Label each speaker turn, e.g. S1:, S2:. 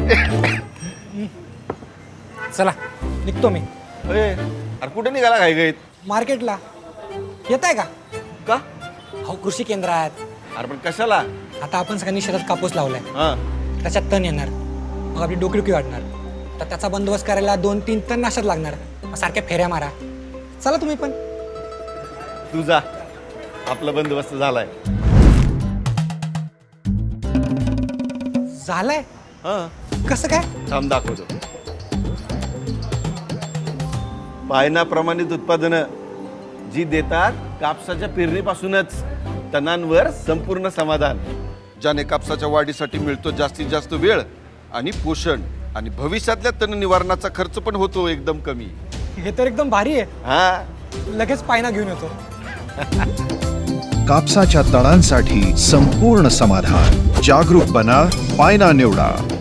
S1: चला निघतो मी.
S2: अरे कुठे निघाला घाई गाईत?
S1: मार्केटला येत आहे का?
S2: का?
S1: हो कृषी केंद्रात.
S2: अरे पण कशाला?
S1: आता आपण सगळ्यांनी शेतात कापूस लावलाय,
S2: हा
S1: त्याच्यात तण येणार, मग आपली डोकीडुकी वाढणार. तर त्याचा बंदोबस्त करायला 2-3 टन नाशक लागणार. मग सारख्या फेऱ्या मारा. चला तुम्ही पण.
S2: तू जा, आपला बंदोबस्त झालाय.
S1: झालंय?
S2: हा
S1: कसं काय?
S2: थांब दाखवतो. पायना प्रमाणित उत्पादनं जी देतात कापसाच्या पेरणीपासूनच तणांवर संपूर्ण समाधान,
S3: ज्याने कापसाच्या वाढीसाठी मिळतो जास्तीत जास्त वेळ आणि पोषण, आणि भविष्यातल्या तण निवारणाचा खर्च पण होतो एकदम कमी.
S1: हे तर एकदम भारी आहे.
S2: हा
S1: लगेच पायना घेऊन येतो.
S4: कापसाच्या तणांसाठी संपूर्ण समाधान. जागरूक बना, पायना निवडा.